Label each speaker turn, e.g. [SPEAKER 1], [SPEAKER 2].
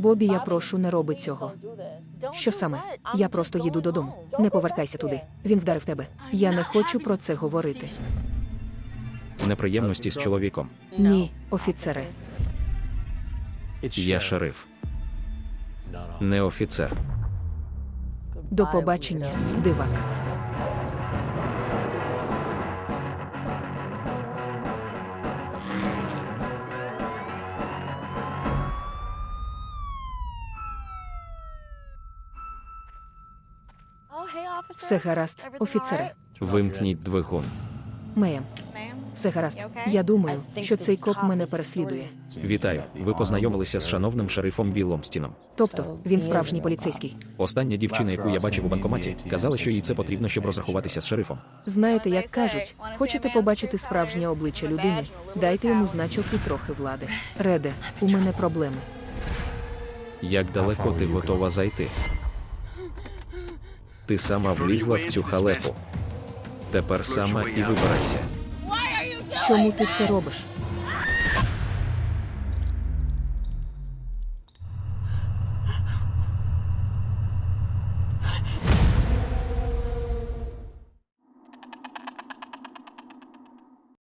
[SPEAKER 1] Бобі, я прошу, не роби цього. Що саме? Я просто їду додому. Не повертайся туди. Він вдарив тебе. Я не хочу про це говорити.
[SPEAKER 2] Неприємності з чоловіком.
[SPEAKER 1] Ні, офіцере.
[SPEAKER 2] Я шериф. Не офіцер.
[SPEAKER 1] До побачення, дивак. Все гаразд, офіцере.
[SPEAKER 2] Вимкніть двигун.
[SPEAKER 1] Меєм. Все гаразд. Я думаю, що цей коп мене переслідує.
[SPEAKER 2] Вітаю. Ви познайомилися з шановним шерифом Біломстіном.
[SPEAKER 1] Тобто, він справжній поліцейський.
[SPEAKER 2] Остання дівчина, яку я бачив у банкоматі, казала, що їй це потрібно, щоб розрахуватися з шерифом.
[SPEAKER 1] Знаєте, як кажуть, хочете побачити справжнє обличчя людини, дайте йому значок і трохи влади. Реде, у мене проблеми.
[SPEAKER 2] Як далеко ти готова зайти? Ти сама влізла в цю халепу. Тепер сама і вибирайся.
[SPEAKER 1] Чому ти це робиш?